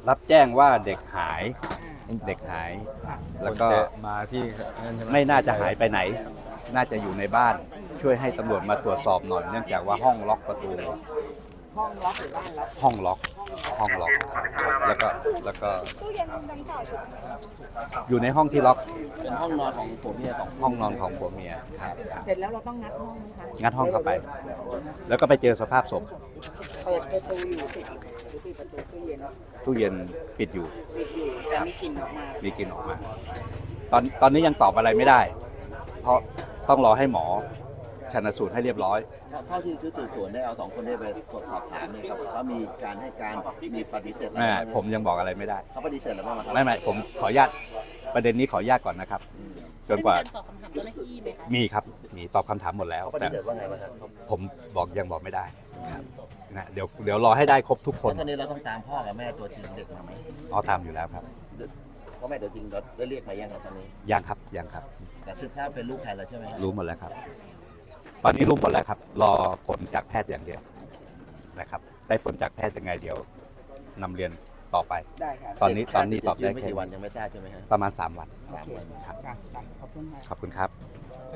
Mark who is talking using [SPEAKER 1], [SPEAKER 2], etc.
[SPEAKER 1] รับแจ้งว่าเด็กหาย แล้วก็
[SPEAKER 2] มาที่นั่นใช่ไหม
[SPEAKER 1] ไม่น่าจะหายไปไหน น่าจะอยู่ในบ้าน ช่วยให้ตำรวจมาตรวจสอบหน่อย เนื่องจากว่าห้องล็อกประตู
[SPEAKER 3] ห้องล็อกหรือบ้านล็อก
[SPEAKER 1] ห้องล็อก ห้องล็อก แล้วก็
[SPEAKER 3] ตู้เย็นดังเก่า
[SPEAKER 1] อยู่ในห้องที่ล็อก
[SPEAKER 4] เป็นห้องนอนของผมเนี่ยสอง
[SPEAKER 1] ห้องนอนของผัวเมียครับ
[SPEAKER 3] เสร็จแล้วเราต้องงัดห้องไหมคะ
[SPEAKER 1] งัดห้องเข้าไป แล้วก็ไปเจอสภาพศพ
[SPEAKER 3] เปิดประตูอยู่ปิดประตูตู้เย็น
[SPEAKER 1] ตู้เย็นปิดอยู่
[SPEAKER 3] ปิดอยู่แต่มีกลิ่นออกมา
[SPEAKER 1] มีกลิ่นออกมา ตอนนี้ยังตอบอะไรไม่ได้ เพราะต้องรอให้หมอชันสูตรให้เรียบร้อย
[SPEAKER 4] เท่าที่ชุดสืบสวนได้เอาสองคนได้ไปสอบถามเนี่ยครับเขามีการให้การมีปฏิเสธอะไร
[SPEAKER 1] แม่
[SPEAKER 4] บ้างไห
[SPEAKER 1] ผมยังบอกอะไรไม่ได้
[SPEAKER 4] เขาปฏิเสธอะไรบ้างไหมครับ
[SPEAKER 1] ไม่ผมขออนุญาตประเด็นนี้ขออนุญาตก่อนนะครับ จนกว่า
[SPEAKER 5] ได้มีรตอบคำถามเจ้าหน้าที่ไหมคะ
[SPEAKER 1] มีครับ มีตอบคำถามหมดแล้ว
[SPEAKER 4] เขาป
[SPEAKER 1] แต่
[SPEAKER 4] ฏิเสธว่าไงบ้างครับ
[SPEAKER 1] ผมยังบอกไม่ได้ครับนะเดี๋ยวรอให้ได้ครบทุกคน
[SPEAKER 4] แล้วตอนนี้เราต้องตามพ่อกับแม่ตัวจริงเด็กมาไหม
[SPEAKER 1] เอาทำอยู่แล้วครับ
[SPEAKER 4] พ่อแม่ตัวจริงเราได้เรียกมายังครับตอนนี้
[SPEAKER 1] ยังครับ
[SPEAKER 4] แต่สืบทราบเป็นลูกใครแล้วใช่ไหมครับ
[SPEAKER 1] รู้หมดแล้วครับ ตอนนี้รู้หมดแล้วครับ รอผลจากแพทย์อย่างเดียวนะครับ ได้ผลจากแพทย์ยังไงเดี๋ยวนำเรียนต่อไป
[SPEAKER 3] ได้ค่ะ
[SPEAKER 1] ตอนนี้ตอบได้
[SPEAKER 4] ไม่
[SPEAKER 1] แค่
[SPEAKER 4] กี่วันยังไม่ทราบใช่ไหมครับ
[SPEAKER 1] ประมาณ3 วัน
[SPEAKER 4] 3 วัน
[SPEAKER 1] ครับ
[SPEAKER 3] ขอบคุณค่ะ
[SPEAKER 1] ขอบคุณครับ